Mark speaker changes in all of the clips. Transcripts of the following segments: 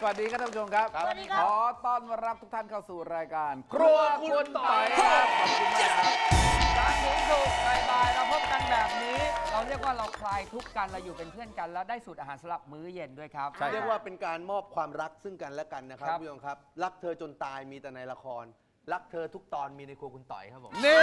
Speaker 1: วัสดีครับท่านผู้ชมครับ
Speaker 2: สวัสดีครับ
Speaker 1: ขอต้อนรับทุกท่านเข้าสู่รายการ ครัวคุณต่อยครับขอบคุณมากครับ
Speaker 3: จันทร์ถึงศุกร์บ่ายๆเราพบกันแบบนี้ เราเรียกว่าเราคลายทุกข์กันเราอยู่เป็นเพื่อนกัน แล้วได้สูตรอาหารสำหรับมื้อเย็นด้วยครับ
Speaker 1: ใช่
Speaker 2: เรียกว่าเป็นการมอบความรักซึ่งกันและกันนะครับ
Speaker 3: ครับ
Speaker 2: พี่ยงครับ รักเธอจนตายมีแต่ในละคร รักเธอทุกตอนมีในครัวคุณต่อยครับผม
Speaker 1: นี่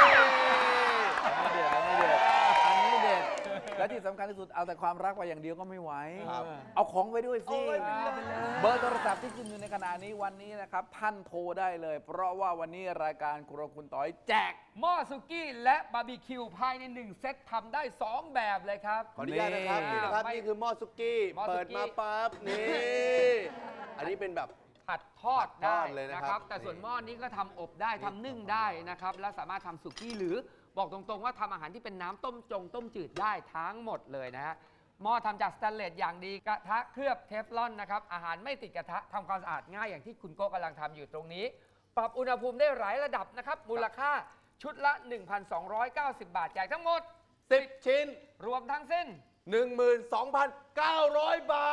Speaker 1: อันนี้เด็ดอันนี้เด็ดและที่สำคัญที่สุดเอาแต่ความรักไปอย่างเดียวก็ไม่ไหว
Speaker 2: ครับ
Speaker 1: เอาของไปด้วยสิ
Speaker 2: เอาไปเลย
Speaker 1: เบอร์โทรศัพท์ที่ขึ้นอยู่ในขณะนี้วันนี้นะครับท่านโทรได้เลย เพราะว่าวันนี้รายการครัวคุณต่อยแจก
Speaker 3: หม้อสุกี้และบาร์บีคิวภายใน1เซตทำได้ 2 แบบเลยครับ
Speaker 2: ขออนุญาตนะครับ
Speaker 1: นี่
Speaker 2: นี่นะครับ
Speaker 3: ไม่
Speaker 2: นี่คือหม้อซุกี้
Speaker 3: หม้อซุกี้
Speaker 2: เปิดมาปั๊บนี่อันนี้เป็นแบบ
Speaker 3: ผัดทอดได้
Speaker 2: ผัดทอดเลยนะครับ
Speaker 3: แต่ส่วนหม้อนี้ก็ทำอบได้ทำนึ่งได้นะครับ และสามารถทำสุกี้หรือบอกตรงๆว่าทำอาหารที่เป็นน้ำต้มจืดได้ทั้งหมดเลยนะฮะหม้อทำจากสแตนเลสอย่างดีกระทะเคลือบเทฟลอนนะครับอาหารไม่ติดกระทะทำความสะอาดง่ายอย่างที่คุณโก้กำลังทำอยู่ตรงนี้ ปรับอุณหภูมิได้หลายระดับนะครับมูลค่าชุดละ 1,290 บาทแจกทั้งหมด
Speaker 2: 10 ชิ้น
Speaker 3: รวมทั้งสิ้น
Speaker 2: 12,900 บา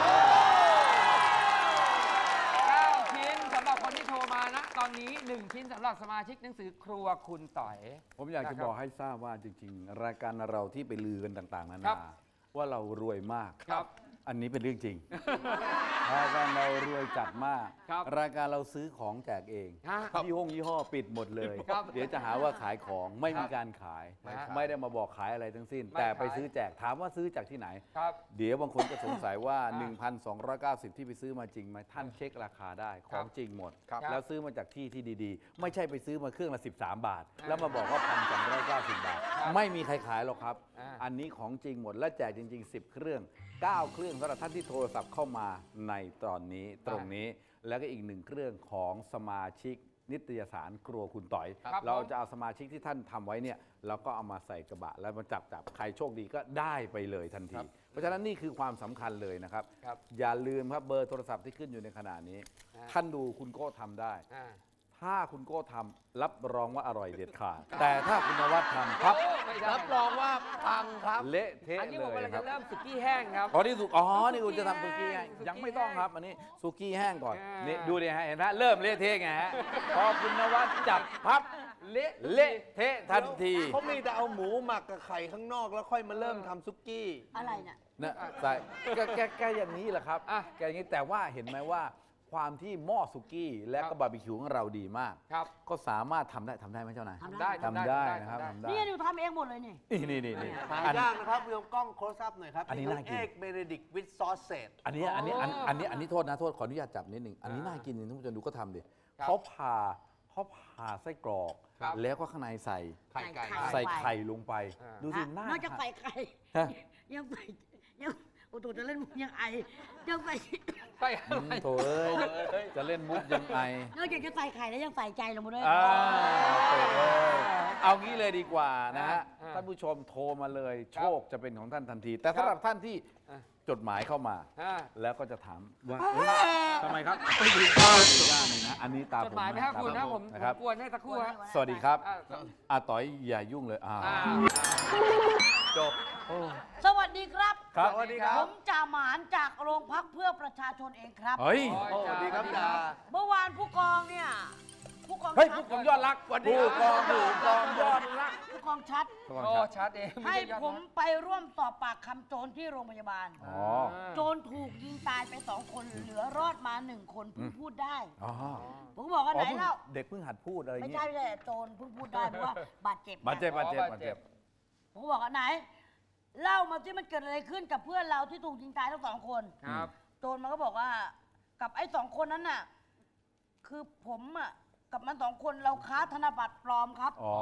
Speaker 2: ท
Speaker 3: 9 ชิ้นสำหรับคนที่โทรมานะตอนนี้ 1 ชิ้นสำหรับสมาชิกหนังสือครัวคุณต่อย
Speaker 1: ผมอยากจะบอกให้ทราบว่าจริงๆ รายการเราที่ไปลือกันต่างๆนา
Speaker 3: ครั
Speaker 1: นา
Speaker 3: บ
Speaker 1: ว่าเรารวยมาก
Speaker 3: ครับ
Speaker 1: อันนี้เป็นเรื่องจริง รายการเรารวยจัดมาก
Speaker 3: ครับ
Speaker 1: รายการเราซื้อของแจกเอง
Speaker 3: ฮะ
Speaker 1: ยี่ห้อปิดหมดเลย
Speaker 3: ครับ
Speaker 1: เดี๋ยวจะหาว่าขายของไม่มีการขาย
Speaker 3: ไม่ขาย
Speaker 1: ไม่ได้มาบอกขายอะไรทั้งสิ้น
Speaker 3: ไม่
Speaker 1: แต่ไป
Speaker 3: ขาย
Speaker 1: ซื้อแจกถามว่าซื้อจากที่ไหน
Speaker 3: ครับ
Speaker 1: เดี๋ยวบางคนก็สงสัยว่า
Speaker 3: อ่า
Speaker 1: 1,290 ที่ไปซื้อมาจริงไหมท่านเช็คราคาได้ข
Speaker 3: ครั
Speaker 1: อบ งจริงหมด
Speaker 3: ครับ
Speaker 1: แล้วซื้อมาจากที่ที่ดีๆ ไม่ใช่ไปซื้อมาเครื่องละ 13 บาท แล้วมาบอกว่า 1,290 บาท
Speaker 3: ครับ
Speaker 1: ไม่มีใครขายหรอกครับ
Speaker 3: อ่า
Speaker 1: อันนี้ของจริงหมดและแจกจริง ๆ 10 เครื่อง 9 เครื่องสำหรับท่านที่โทรศัพท์เข้ามาในตอนนี้ตรงนี้ แล้วก็อีก1เครื่องของสมาชิกนิตยสารครัวคุณต่อย
Speaker 3: ครับ
Speaker 1: เราจะเอาสมาชิกที่ท่านทำไว้เนี่ยเราก็เอามาใส่กระบะแล้วมาจับใครโชคดีก็ได้ไปเลยทันที เพราะฉะนั้นนี่คือความสำคัญเลยนะครับ
Speaker 3: ครับ
Speaker 1: อย่าลืมครับเบอร์โทรศัพท์ที่ขึ้นอยู่ในขณะนี้
Speaker 3: อ่า
Speaker 1: ท่านดูคุณโก้ทำได้
Speaker 3: อ่า
Speaker 1: ถ้าคุณโก้ทำรับรองว่าอร่อยเด็ดขาด แต่ถ้าคุณนวัดทำครับ
Speaker 3: โอ้ไม่ได้
Speaker 2: รับรองว่าพังครับ
Speaker 1: เละเทะ
Speaker 3: อันนี้
Speaker 1: เล
Speaker 3: ผม
Speaker 1: ย
Speaker 3: กำลัง
Speaker 1: ครั
Speaker 3: จะ
Speaker 1: บ
Speaker 3: เริ่มสุกี้แห้งครับ
Speaker 1: อ๋อนี่สุกอ๋อนี่คุณจะทำสุกี้แห้ง
Speaker 3: สุกี้
Speaker 1: ยังไม่ต้องครับ
Speaker 3: แห้ง
Speaker 1: อันนี้สุกี้แห้งก่อน
Speaker 3: อ่านี่
Speaker 1: นี่ดูดิฮะเห็นไหมเริ่มเละเทะไงฮะพอคุณนวัดจับพับ
Speaker 3: เละ
Speaker 1: เละเทะทันที
Speaker 2: เขามีแต่เอาหมูหมักกับไข่ข้างนอกแล้วค่อยมาเริ่มทำซุกี้
Speaker 4: อะไรเนี่ย
Speaker 1: นะใส่แกอย่างนี้แหละครับ
Speaker 3: อ่ะ
Speaker 1: แกอย่างนี้แต่ว่าเห็นไหมว่าความที่หม้อสุกี้และ
Speaker 3: ครั
Speaker 1: ก็
Speaker 3: บ
Speaker 1: บาร์บีคิวของเราดีมาก
Speaker 3: ครับ
Speaker 1: ก็สามารถทำได้ไหมเจ้านาย
Speaker 4: ทำ
Speaker 3: ได้
Speaker 1: ทำได้นะครับทำได้
Speaker 4: นี่หนูทำเองหมดเลยนี่
Speaker 1: นี่
Speaker 2: หา
Speaker 1: อัน
Speaker 2: ยากนะครับพี่ยงกล้องโคสอัพหน่อยครับ
Speaker 1: อันนี้น่ากิน
Speaker 2: เอกเบเนดิกวิดซอสเซต
Speaker 1: อันนี้โทษนะโทษขออนุญาตจับนิดหนึ่งอันนี้น่ากินจริงท่านผู้ชมดูก็ทำดิ
Speaker 3: ครับ
Speaker 1: เขาผ่าไส้กรอก
Speaker 3: ครับ
Speaker 1: แล้วก็ข้างในใส่
Speaker 2: ไข่ไก่
Speaker 1: ใส่ไข่ลงไป
Speaker 3: อ่า
Speaker 1: ดูสิน่าน
Speaker 4: อกจากใส่ไข่
Speaker 1: ฮะ
Speaker 4: ยังใส่ยังโอ้โหจะเล่นมุกยังไอยังใส่
Speaker 3: ไปอะไร
Speaker 1: โถเอ้ยจะเล่นมุกยังไง
Speaker 4: นอกจากจะใส่ไข่แล้วยังใส่ใจลงมาด้วย
Speaker 1: โถเอ้ยเอางี้เลยดีกว่านะฮะ
Speaker 3: อ่า
Speaker 1: ท่านผู้ชมโทรมาเลย
Speaker 3: ค
Speaker 1: โช
Speaker 3: รับ
Speaker 1: คจะเป็นของท่านทันที แต่สำหรับท่านที่
Speaker 3: อ่า
Speaker 1: จดหมายเข้ามา
Speaker 3: อ่า
Speaker 1: แล้วก็จะถามว่าเอ้ยทำไมครับไม่ดูข้าวย่างเลยนะอันนี้ตาม
Speaker 3: จ
Speaker 1: ผ
Speaker 3: ด
Speaker 1: ม
Speaker 3: หมายไหมครับคุณนะผม
Speaker 1: นะครับ
Speaker 3: กวนให้สักครู่ฮะ
Speaker 1: สวัสดีครับ
Speaker 3: อ่า
Speaker 1: อาต่อยอย่ายุ่งเลย
Speaker 3: อ่า
Speaker 1: จบโอ้
Speaker 4: สวัสดีครับ
Speaker 1: ครับ
Speaker 2: สวัสดีครับ
Speaker 4: ผมจ่าหมานจากโรงพักเพื่อประชาชนเองครับ
Speaker 1: เฮ้ย
Speaker 2: โอ้สวัสดีครับจ่า
Speaker 4: เมื่อวานผู้กองเนี่ยผู้กอง
Speaker 1: เฮ้ย
Speaker 4: ชั
Speaker 1: ผู้
Speaker 4: ด
Speaker 1: กองยอดรักผู้กองยอดรัก
Speaker 4: ผู้กองชัด
Speaker 1: ผู้กอง
Speaker 3: โอ้
Speaker 1: ชัด
Speaker 3: ชัดเอง
Speaker 4: ให้
Speaker 3: ไใช่ยอด
Speaker 4: ผม
Speaker 3: นะ
Speaker 4: ไปร่วมสอบปากคำโจรที่โรงพยาบาล
Speaker 1: อ๋อ
Speaker 4: โจรถูกยิงตายไป2 คนเหลือรอดมา1 คนเพิ่งพูดได้
Speaker 1: อ๋อ
Speaker 4: ผมก็บอกว่าไหนเล่า
Speaker 1: เด็กเพิ่งหัดพูดอะไร
Speaker 4: ไม่
Speaker 1: เงี้
Speaker 4: ใช่
Speaker 1: ย
Speaker 4: ไม่ใช่โจรเพิ่งพูดได้เพราะว่าบาดเจ็บ
Speaker 1: บาดเจ็บ
Speaker 4: นะ
Speaker 1: บาดเจ็บ
Speaker 3: อ๋อบาดเจ็บ
Speaker 4: ผมก็บอกว่าไหน เล่ามาที่มันเกิดอะไรขึ้นกับเพื่อนเราที่ถูกยิงตายทั้ง2 คน
Speaker 3: ครับ
Speaker 4: โจรมันก็บอกว่ากับไอ้2 คนนั้นน่ะคือผมอ่ะกับมัน2 คนเราค้าธนบัตรปลอมครับ
Speaker 1: อ๋อ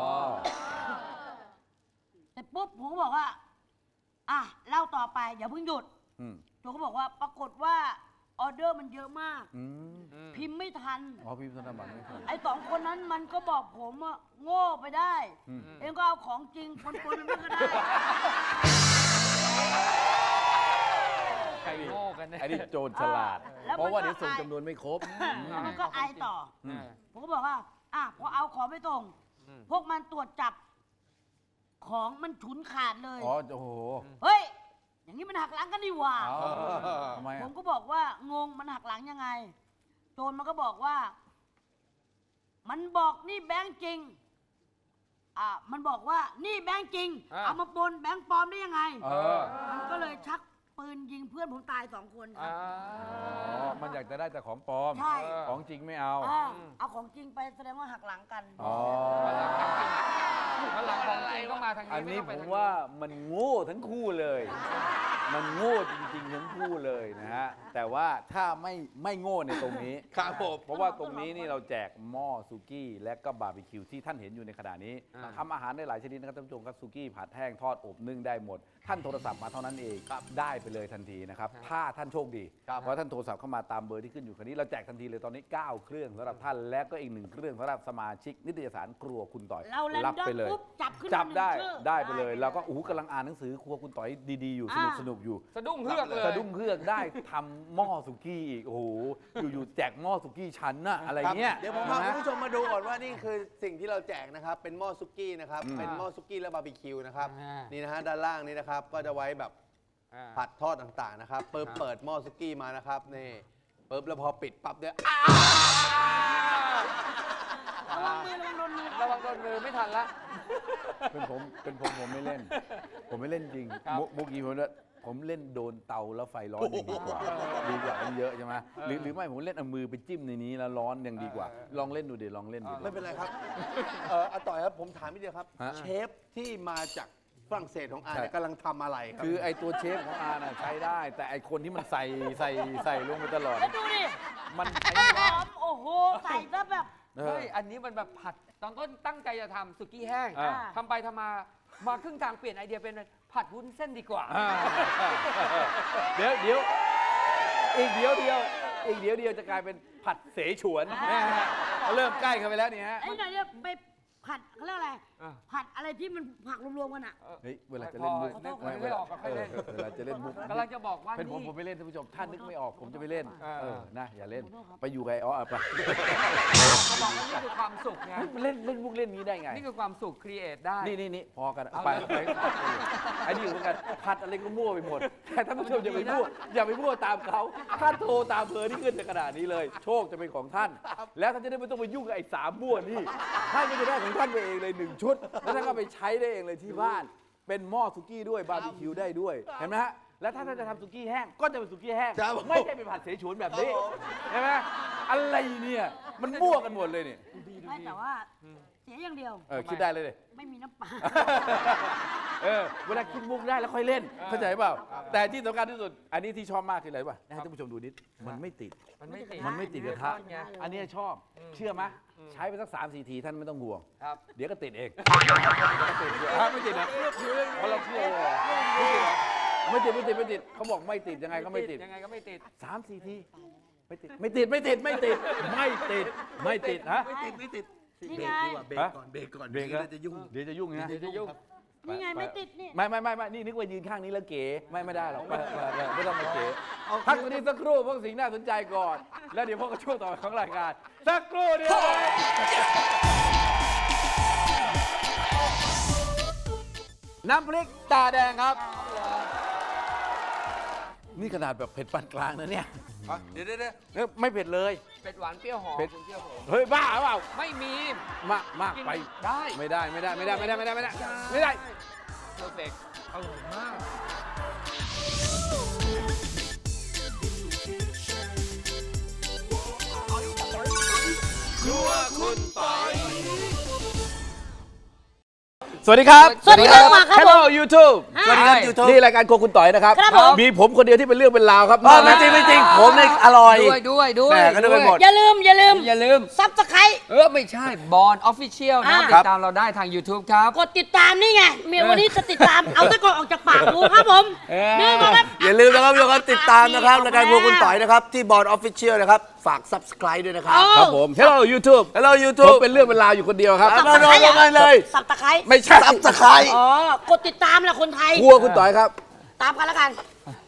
Speaker 4: แต่ปุ๊บผมก็บอกว่าอ่ะเล่าต่อไปอย่าเพิ่งหยุด
Speaker 1: อืม
Speaker 4: โจรก็บอกว่าปรากฏว่าออเดอร์มันเยอะมาก
Speaker 1: อืม
Speaker 4: พิมพ์ไม่ทัน
Speaker 1: อ๋อพี่ธนบัตรไม่ถูก
Speaker 4: ไอ้2 คนนั้นมันก็บอกผมว่าโง่ไปได้
Speaker 1: อืม
Speaker 4: เองก็เอาของจริงปนๆมันก็ได้
Speaker 3: ใครโง่กันเนี่ย
Speaker 1: ไอ้นี่โจรฉลาด
Speaker 4: แล้วมันก็
Speaker 1: เพราะว่าเดี๋ยวส่งจำนวนไม่ครบ
Speaker 4: แล้วมันก็ไอต่อ
Speaker 1: อืม
Speaker 4: ผมก็บอกว่าอ่ะพอเอาของไปส่ง
Speaker 3: อืม
Speaker 4: พวกมันตรวจจับ ของมันฉุนขาดเลย
Speaker 1: อ๋อโอ้โห
Speaker 4: เฮ้ย อย่างนี้มันหักหลังกันดีหว่า
Speaker 1: เอาทำไม
Speaker 4: ผ
Speaker 1: อ่ะ
Speaker 4: มก็บอกบอกว่างงมันหักหลังยังไง โจรมันก็บอกว่า มันบอกนี่แบงค์จริงมันบอกว่านี่แบงค์จริง เอามาปนแบงค์ปลอมได้ยังไงมันก็เลยชักปืนยิงเพื่อนผมตาย2 คนครับ
Speaker 1: มันอยากจะได้แต่ของปลอม
Speaker 4: ใช่
Speaker 1: ของจริงไม่เอา
Speaker 4: เอาของจริงไปแสดงว่าหักหลังกัน
Speaker 3: วันหลังของจริงต้องมาทางนี้
Speaker 1: อันนี้
Speaker 3: ไต้ง
Speaker 1: ผ
Speaker 3: ไป
Speaker 1: ม
Speaker 3: ทาง
Speaker 1: ว่ามันโง่ทั้งคู่เลย มันโง่จริงๆทั้งคู่เลยนะฮะ แต่ว่าถ้าไม่โง่ในตรงนี้
Speaker 2: ครับผม
Speaker 1: เพราะว่าตรงนี้นี่เราแจกหม้อสุกี้และก็บาร์บีคิวที่ท่านเห็นอยู่ในขณะนี้ทำอาหารได้หลายชนิดนะครับท่านผู้ชมครับสุกี้ผัดแห้งทอดอบนึ่งได้หมด ท่านโทรศัพท์มาเท่านั้นเองได้ไปเลยทันทีนะครับถ้าท่านโชคดีเพราะท่านโทรศัพท์เข้ามาตามเบอร์ที่ขึ้นอยู่คันนี้เราแจกทันทีเลยตอนนี้ 9 เครื่องสำหรับท่านและก็อีก1 เครื่องสำหรับสมาชิกนิตยสารครัวคุณต่อย
Speaker 4: เราแรน
Speaker 1: รับ
Speaker 4: ดอม
Speaker 1: ไปเลย
Speaker 4: ปุ๊บจับขึ้น
Speaker 1: จับได้
Speaker 4: มา1 ชื่อ
Speaker 1: ได้ไปเลยเราก็กำลังอ่านหนังสือครัวคุณต่อยดีๆอยู่สนุกอยู่
Speaker 3: สะดุ้งเฮือกเลย
Speaker 1: สะดุ้งเฮือกได้ทำหม้อสุกี้อีกโอ้โหอยู่ๆแจกหม้อสุกี้ชั้นน่ะอะไรเงี้ย
Speaker 2: เดี๋ยวผมพาคุณผู้ชมมาดูก่อนว่านี่คือสิ่งที่เราแจกนะครับ เป็นหม้อซุกี้นะครับ เป็นหม้อซุกี้และบาร์บีคิวนะครับ นี่นะฮะด้านล่างนี้นะครับ ก็จะไว้แบบผัดทอดต่างๆนะครับเปิดหม้อซุกี้มานะครับนี่ปุ๊บแล้วพอปิดปั๊บเนี่ย
Speaker 4: ระวังมือระวังโดนมือ
Speaker 3: ระวังโดนมือไม่ทันละ
Speaker 1: เป็นผมไม่เล่น ผมไม่เล่นจริง
Speaker 3: ครับ
Speaker 1: มุกนี้ผมเล่นโดนเตาแล้วไฟร้อนยังดีกว่ามันเยอะใช่ไหมหรือไม่ผมเล่นเอามือไปจิ้มในนี้แล้วร้อนยังดีกว่า ลองเล่นดูดิลองเล่นดู
Speaker 2: ไม่เป็นไรครับอาต่อยครับผมถามนิดเดียวครับ
Speaker 1: ฮะ
Speaker 2: เชฟที่มาจากฝรั่งเศสของอาเนี่ย
Speaker 1: ใช่
Speaker 2: กำลังทำอะไรครับ
Speaker 1: คือไอตัวเชฟของอาน่ะใช้ได้ แต่ไอคนที่มันใส่ลงไปตลอด
Speaker 4: แล้วดูดิ
Speaker 1: มันใช้
Speaker 4: ห
Speaker 1: ไม่ได้
Speaker 4: อมโอ้โหใส่ซะแบบ
Speaker 1: เออ
Speaker 3: เฮ้ยอันนี้มันแบบผัดตอนต้นตั้งใจจะทำสุกี้แห้ง
Speaker 1: อ่า
Speaker 3: ทำไปทำมาครึ่งทางเปลี่ยนไอเดียเป็นผัดวุ้นเส้นดีกว่า
Speaker 1: เดี๋ยวอีกเดี๋ยวจะกลายเป็นผัดเสฉวนนะฮะเริ่มใกล้เข้าไปแล้วนี่ฮะ
Speaker 4: ไอ้หน่อยเนี่ยไปผัดเขาเรียกอะไร
Speaker 3: อ่ะ
Speaker 4: ผัดอะไรที่มันผักรวมๆกันอ่ะ
Speaker 1: เฮ้ยเวลาจะเล่นมุก
Speaker 3: นึกไม่ออกก็ค่อยเล่น
Speaker 1: เวลาจะเล่นมุก
Speaker 3: กำลังจะบอกว่า
Speaker 1: เป็นผม
Speaker 3: นี่
Speaker 1: ผมไม่เล่นท่านผู้ชมท่านนึกไม่ออกผมจะไม่เล่น
Speaker 3: เออ
Speaker 1: นะอย่าเล่นไปอยู่กับไอ้อ๋อไป
Speaker 3: จะบอกว่านี่คือความสุขไง
Speaker 1: มันเล่นมุกเล่นนี้ได้ไง
Speaker 3: นี่คือความสุขครีเอทได้
Speaker 1: นี่พอกัน
Speaker 3: เอา
Speaker 1: ไป
Speaker 3: เลย
Speaker 1: ไอ้นี่อยู่เหมือนกันผัดอะไรก็มั่วไปหมดแต่ท่านผู้ชมอย่าไปมั่วตามเขาท่านโทรตามเบอร์ที่ขึ้นในขณะนี้เลย โชคจะเป็นของท่าน แล้วท่านจะได้ไม่ต้องไปยุ่งกับไอ้3มั่วนี่ท่านก็จะได้ของท่านไปเองเลย1 ชุด แล้วท่านก็ไปใช้ได้เองเลยที่บ้าน เป็นหม้อสุกี้ด้วยบาร์บีคิวได้ด้วยเห็นไหมฮะแล้วถ้าท่านจะทำสุกี้แห้งก็จะเป็นสุกี้แห้ง
Speaker 2: ครับผม
Speaker 1: ไม่ใช่เป็นผัดเสฉวนแบบนี้ใช่ไหมอะไรเนี่ยมันมั่วกันหมดเลยเนี่ย
Speaker 4: ไม่แต่ว่าเสียอย่างเดียว
Speaker 1: คิดได้เลย
Speaker 4: ไม่มีน้ำปลา
Speaker 1: เวลาคิดมุกได้แล้วค่อยเล่น เข้าใจเปล่า แต่ที่สำคัญที่สุด อันนี้ที่ชอบมากคืออะไรป่ะให้ท่านผู้ชมดูนิด มันไม่ติด
Speaker 3: มันไม่ติด
Speaker 1: มันไม่ติดกระทะ
Speaker 3: ไง
Speaker 1: อันนี้ชอบ เชื่อไหมใช้ไปสัก3-4 ทีท่านไม่ต้องห่วง
Speaker 3: ครับ
Speaker 1: เดี๋ยวก็ติดเองไม่ติดนะเพราะเราเชื่อเลยไม่ติดเขาบอกไม่ติดยังไงก็ไม่ติด
Speaker 3: ยังไงก็ไม่ติด
Speaker 1: 3-4 ทีไม่ติดฮะ
Speaker 2: ไม่ติด
Speaker 4: นี่ไง
Speaker 2: เบรกก่อนเบรกก่อน
Speaker 1: เบรก
Speaker 2: เดี๋ยวจะยุ่ง
Speaker 1: เดี๋ยวจะยุ่งนะ
Speaker 3: เดี๋ยวจะยุ่ง
Speaker 4: นี่ไงไม่ติดนี่
Speaker 1: ไม่นี่นึกว่ายืนข้างนี้แล้วเก๋ไม่ได้หรอกไม่ต้องมาเก๋พักตรงนี้สักครู่เพราะสิ่งน่าสนใจก่อน แล้วเดี๋ยวพวกก็ช่วงต่อไปของรายการสักครู่เดียวน้ำพริกตาแดงครับ นี่ขนาดแบบเผ็ดปานกลางนะเนี่ย
Speaker 2: เดี๋ยว
Speaker 1: ไม่เผ็ดเลย
Speaker 3: เป็ดหวานเปรี้ยวหอม
Speaker 1: เป็ด
Speaker 3: คุณเชื่อผม
Speaker 1: เฮ้ยบ้าเปล่า
Speaker 3: ไม่มี
Speaker 1: มากไป
Speaker 3: ได้
Speaker 1: ไม่ได้
Speaker 3: เพอร์เฟกต์อร่อยมาก
Speaker 1: สวัสดีครับ
Speaker 4: สวัสดีครับครับ
Speaker 1: Hello YouTube
Speaker 2: สวัสดีครับ YouTube
Speaker 1: นี่รายการโครัวคุณต่อยนะครับ
Speaker 4: ครับผม
Speaker 1: มีผมคนเดียวที่เป็นเรื่องเป็นราวครับ
Speaker 2: ไม่จริงผมเนี่ยอร่อย
Speaker 3: ด้วย
Speaker 2: แหม่ก็นึกไปหมด
Speaker 4: อย่าลืม
Speaker 3: อย่าลืม
Speaker 4: ซับสไครต์
Speaker 3: ไม่ใช่บอลออฟฟิเชียลนะ
Speaker 4: อ่า
Speaker 3: ติดตามเราได้ทาง YouTube ครับ
Speaker 4: กดติดตามนี่ไงเมียวันนี้จะติดตาม เอาตะกอนออกจากปากดูครับผมนี่มาครับ
Speaker 2: อย่าลืมนะครับทุกคนติดตามนะครับรายการพวกคุณต่อยนะครับ ที่บอร์ดออฟฟิเชียลนะครับ ฝาก subscribe ด้วยนะครับ
Speaker 1: ครับผม Hello YouTube
Speaker 2: Hello
Speaker 1: ผม
Speaker 2: YouTube
Speaker 1: เป็นเรื่องเป็นราวอยู่คนเดียวครับ
Speaker 2: มาลงกันเลย
Speaker 4: สับตะไคร้
Speaker 1: ไม่ใช่
Speaker 2: subscribe
Speaker 4: อ๋อกดติดตามแหละคนไทย
Speaker 1: ครัวคุณต่อยครับ
Speaker 4: ตามกันแล้วกัน